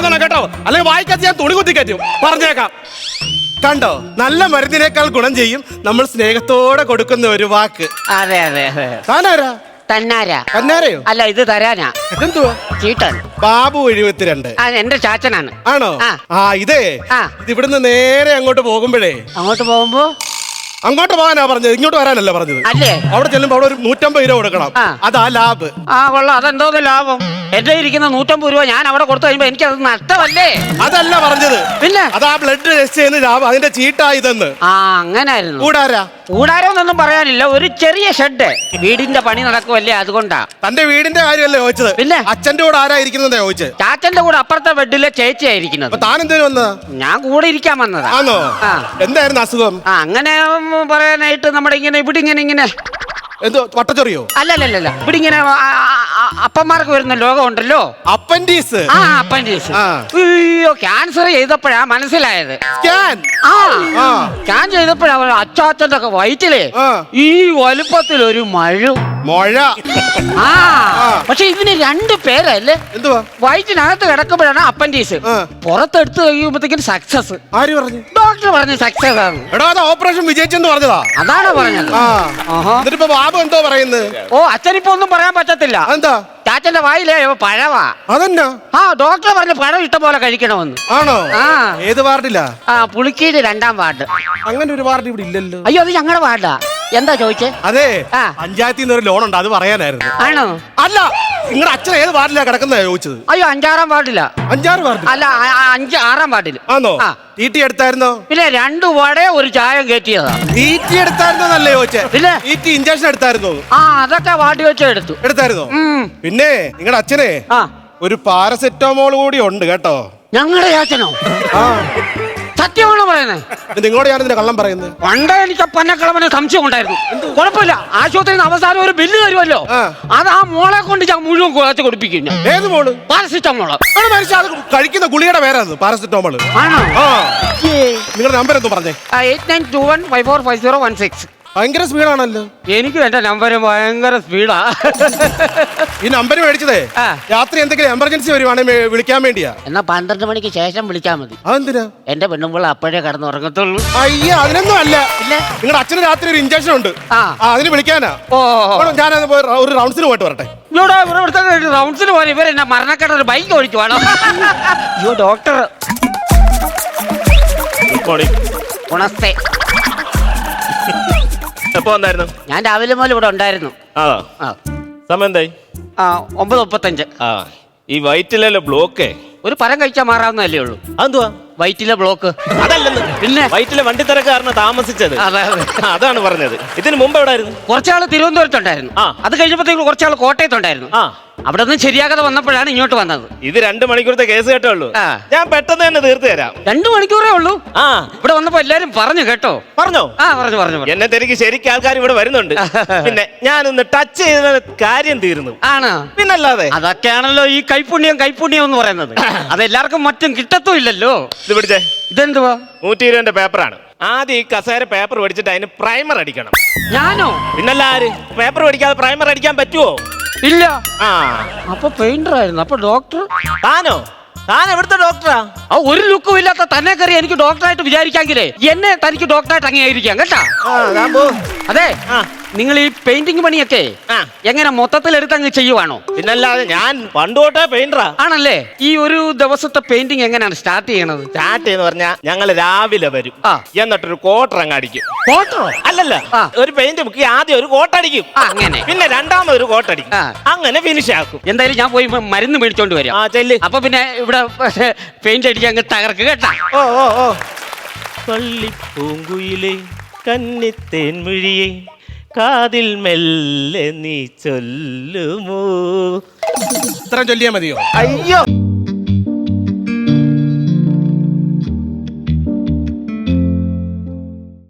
വേണം കേട്ടോ, അല്ലെങ്കിൽ വായിക്കാത്ത ഞാൻ തുണി കുത്തി കയറ്റും. പറഞ്ഞേക്കാം. കണ്ടോ, നല്ല മരുന്നിനേക്കാൾ ഗുണം ചെയ്യും നമ്മൾ സ്നേഹത്തോടെ കൊടുക്കുന്ന ഒരു വാക്ക്. അതെ അതെ അതെ. താനാരാ? തന്നാരാ? തന്നാരയോ? അല്ല, ഇത് തരാനാ. ഇതെന്തുവാ? ചീട്ടൻ. ബാബു 72. എന്റെ ചാച്ചനാണ്. ആണോ? ആ. ഇതേ ഇത് ഇവിടുന്ന് നേരെ അങ്ങോട്ട് പോകുമ്പോഴേ, അങ്ങോട്ട് പോകുമ്പോ അങ്ങോട്ട് പോകാനാ പറഞ്ഞത്, ഇങ്ങോട്ട് വരാനല്ല പറഞ്ഞത്. അല്ലേ? അവിടെ ചെല്ലുമ്പോ അവിടെ ഒരു 150 രൂപ കൊടുക്കണം. അതാ ലാഭ്. കൊള്ളാം. അതെന്തോന്ന് ലാഭം? എന്റെ ഇരിക്കുന്ന 150 രൂപ ഞാൻ അവിടെ കൊടുത്തു കഴിയുമ്പോ എനിക്ക് അത് നഷ്ടമല്ലേ? അതല്ല പറഞ്ഞത്, പിന്നെ അതാ ബ്ലഡ് ടെസ്റ്റ് ചെയ്യുന്ന ലാഭം, അതിന്റെ ചീട്ടായിതെന്ന്. അങ്ങനായിരുന്നു. കൂടാരോന്നൊന്നും പറയാനില്ല, ഒരു ചെറിയ ഷെഡ്. വീടിന്റെ പണി നടക്കുമല്ലേ, അതുകൊണ്ടാ. തന്റെ വീടിന്റെ കാര്യമല്ലേ ചോദിച്ചത്? പിന്നെ അച്ഛന്റെ കൂടെ ആരാ ഇരിക്കുന്നതാ ചോദിച്ചത്? ചാച്ചന്റെ കൂടെ അപ്പുറത്തെ ബെഡിലെ ചേച്ചിയായിരിക്കുന്നത്. താൻ എന്തേലും വന്നതാ? ഞാൻ കൂടെ ഇരിക്കാൻ വന്നതാ. ആണോ? എന്തായിരുന്നു അസുഖം? അങ്ങനെ പറയാനായിട്ട് നമ്മുടെ ഇവിടെ ഇങ്ങനെ എന്തോ വട്ടച്ചൊറിയോ? അല്ലല്ലല്ല, ഇവിടെ ഇങ്ങനെ അപ്പന്മാർക്ക് വരുന്ന രോഗം ഉണ്ടല്ലോ, അപ്പൻഡീസ്. അപ്പൻഡീസ്. അയ്യോ, ക്യാൻസർ ചെയ്തപ്പോഴാ മനസ്സിലായത്. സ്കാൻ ചെയ്തപ്പോഴാ അച്ചാച്ചന്റെ ഒക്കെ വയറ്റിലെ ഈ വലുപ്പത്തിൽ ഒരു മഴ. പക്ഷെ ഇതിന് 2 പേരല്ലേ? എന്തുവാ? വയറ്റിനകത്ത് കിടക്കുമ്പോഴാണ് അപ്പൻഡീസ്, പുറത്തെടുത്ത് കഴിയുമ്പോഴത്തേക്കും സക്സസ്. ആര് പറഞ്ഞു? ഡോക്ടർ പറഞ്ഞു സക്സസ് ആണ്. ഓപ്പറേഷൻ വിജയിച്ചെന്ന് പറഞ്ഞതാ. അതാണ് പറഞ്ഞത്. ബാബു എന്തോ പറയുന്നത്? അച്ഛനിപ്പോ ഒന്നും പറയാൻ പറ്റത്തില്ല. എന്താ? ചാച്ചന്റെ വായിലേ പഴവാ. അതെന്നാ? ഡോക്ടർ പറഞ്ഞു പഴം ഇഷ്ടം പോലെ കഴിക്കണമെന്ന്. ആണോ? ഏത് വാർഡിലാ? പുളിക്കീട് 2ാം വാർഡ്. അങ്ങനെ ഒരു വാർഡ് ഇവിടെ ഇല്ലല്ലോ. അയ്യോ, അത് ഞങ്ങളുടെ വാർഡാ. എന്താ ചോദിച്ചേ? അതെ, പഞ്ചായത്തിൽ നിന്ന് ഒരു ലോൺ ഉണ്ട്, അത് പറയാനായിരുന്നു. ആണോ? അല്ല, നിങ്ങളുടെ അച്ഛൻ ഏത് വാർഡിലാ കിടക്കുന്നത് ചോദിച്ചത്? അയ്യോ, 5-6-ാം വാർഡിലാ. 5-6 വാർഡ്? അല്ല, 5-6-ാം വാർഡിൽ. ആണോ? തീറ്റി എടുത്തായിരുന്നോ? പിന്നെ 2 വട ഒരു ചായം കയറ്റിയതാ. തീറ്റി എടുത്തായിരുന്നോന്നല്ലേ ചോദിച്ചേ? പിന്നെ തീറ്റി ഇഞ്ചക്ഷൻ എടുത്തായിരുന്നോ? അതൊക്കെ വാർഡ് വെച്ച് എടുത്തായിരുന്നോ? പിന്നെ നിങ്ങളുടെ അച്ഛനെ ഒരു പാരസെറ്റമോൾ കൂടി ഉണ്ട് കേട്ടോ. ഞങ്ങളുടെ ചാച്ചനോ? സത്യമാണോ പറയുന്നത്? നിങ്ങളോട് ഞാനെന്തിനാ കള്ളം പറയുന്നത്? പണ്ട് എനിക്ക് പന്നക്കളവന് സംശയം ഉണ്ടായിരുന്നു. കുഴപ്പമില്ല, ആശുപത്രിയിൽ നിന്ന് അവസാനം ഒരു ബില്ല് തരുമല്ലോ, അത് ആ മോളെ കൊണ്ട് ഞാൻ മുഴുവൻ കുഴച്ച് കൊടുപ്പിക്കും. ഏത് മോള്? പാരസിറ്റമോള്. കഴിക്കുന്ന ഗുളിയുടെ പേരാണ് പാരസിറ്റമോള്. ആണോ? നിങ്ങളുടെ നമ്പർ എന്തോ പറഞ്ഞേ? 8921545016. ഭയങ്കര സ്പീഡാണല്ലോ. എനിക്കും എന്റെ നമ്പർ ഭയങ്കര സ്പീഡാ. ഈ നമ്പർ മേടിച്ചതേ രാത്രി എന്തെങ്കിലും എമർജൻസി വരുവാണെങ്കിൽ വിളിക്കാൻ വേണ്ടിയാ. എന്നാ 12 മണിക്ക് ശേഷം വിളിച്ചാൽ മതി. അതെന്തിനാ? എന്റെ പെണ്ണുമ്പോൾ അപ്പോഴേ കിടന്നുറങ്ങത്തുള്ളൂ. അയ്യ, അതിനൊന്നും അല്ല. നിങ്ങളുടെ അച്ഛന് രാത്രി ഒരു ഇഞ്ചക്ഷൻ ഉണ്ട്, അതിന് വിളിക്കാനാ. ഞാൻ ഒരു റൗണ്ട്സിന് പോയിട്ട് വരട്ടെ. റൗണ്ട്സിന് പോലെ ഇവർ എന്നെ മരണക്കെട്ട ഒരു ബൈക്ക് ഓടിച്ചു വേണോ? അയ്യോ ഡോക്ടർ. ഗുണസ്തേ. എപ്പോ വന്നായിരുന്നു? ഞാൻ രാവിലെ മുതൽ ഇവിടെ ഉണ്ടായിരുന്നു. സമയം എന്തായി? 9:35. ഈ വയറ്റിലെ ബ്ലോക്കേ ഒരു പരം കഴിച്ചാൽ മാറാവുന്നതല്ലേ ഉള്ളൂ. അതെന്തുവാ? വയറ്റിലെ ബ്ലോക്ക്. അതല്ലെന്ന്. പിന്നെ വയറ്റിലെ വണ്ടിത്തിരക്കാരന് താമസിച്ചത്. അതാണ് പറഞ്ഞത്. ഇതിന് മുമ്പ് എവിടായിരുന്നു? കുറച്ചാള് തിരുവനന്തപുരത്തുണ്ടായിരുന്നു. അത് കഴിഞ്ഞപ്പോഴത്തേക്ക് കുറച്ചാള് കോട്ടയത്തുണ്ടായിരുന്നു. അവിടെ നിന്ന് ശരിയാകാതെ വന്നപ്പോഴാണ് ഇങ്ങോട്ട് വന്നത്. ഇത് 2 മണിക്കൂറത്തെ കേസ് കേട്ടോ ഉള്ളൂ. ഞാൻ പെട്ടെന്ന് തന്നെ തീർത്തു തരാം. 2 മണിക്കൂറേ ഉള്ളൂ. ഇവിടെ വന്നപ്പോ എല്ലാരും പറഞ്ഞു കേട്ടോ. പറഞ്ഞോ? പറഞ്ഞു. എന്നെ തിരക്ക് ശരിക്കും ആൾക്കാർ ഇവിടെ വരുന്നുണ്ട്. പിന്നെ ഞാനൊന്ന് ടച്ച് ചെയ്ത കാര്യം തീർന്നു. ആണ്. പിന്നല്ലാതെ അതൊക്കെയാണല്ലോ ഈ കൈപ്പുണ്യം എന്ന് പറയുന്നത്. അതെല്ലാവർക്കും മറ്റും കിട്ടത്തും ഇല്ലല്ലോ. ഇത് പിടിച്ചേ. ഇതെന്തുവാ? 120 പേപ്പറാണ്. ആദ്യം ഈ കസേര പേപ്പർ പഠിച്ചിട്ട് അതിന് പ്രൈമർ അടിക്കണം. ഞാനോ? പിന്നല്ല, ആര് പേപ്പർ പഠിക്കാതെ പ്രൈമർ അടിക്കാൻ പറ്റുമോ? ഇല്ല. അപ്പൊ പെയിന്റർ ആയിരുന്നു. അപ്പൊ ഡോക്ടർ താനോ? താൻ എവിടുത്തെ ഡോക്ടറാ? ഒരു ലുക്കും ഇല്ലാത്ത തന്നെ കയറി എനിക്ക് ഡോക്ടറായിട്ട് വിചാരിക്കാങ്കിലേ എന്നെ തനിക്ക് ഡോക്ടറായിട്ട് അംഗീകരിക്കാം കേട്ടാ. അതെ, നിങ്ങൾ ഈ പെയിന്റിംഗ് പണിയൊക്കെ എങ്ങനെ മൊത്തത്തിൽ എടുത്തങ്ങ് ചെയ്യുവാണോ? പിന്നല്ലാതെ ഞാൻ പണ്ടോട്ടേ പെയിന്ററാ. ആണല്ലേ? ഈ ഒരു ദിവസത്തെ പെയിന്റിംഗ് എങ്ങനെയാണ് സ്റ്റാർട്ട് ചെയ്യണത്? സ്റ്റാർട്ട് ചെയ്യുന്ന പറഞ്ഞാൽ ഞങ്ങൾ രാവിലെ വരും, എന്നിട്ടൊരു കോട്ടർ അങ്ങ് അടിക്കും. കോട്ടറോ? അല്ലല്ല, ഒരു പെയിന്റ് മുക്കി ആദ്യം ഒരു കോട്ടടിക്കും. അങ്ങനെ. പിന്നെ രണ്ടാമത് ഒരു കോട്ടടിക്കും. അങ്ങനെ ഫിനിഷ് ആക്കും. എന്തായാലും ഞാൻ പോയി മരുന്ന് മേടിച്ചോണ്ട് വരാം. അപ്പൊ പിന്നെ ഇവിടെ പെയിന്റ് അടിക്കാൻ അങ്ങ് തകർക്ക് കേട്ടാ. പള്ളിപ്പൂങ്കുയിലെ കന്നിത്തേൻമിഴിയെ കാതിൽ മെല്ലെ നീ ചൊല്ലുമോ? ഇത്ര ചൊല്ലിയാ മതിയോ? അയ്യോ.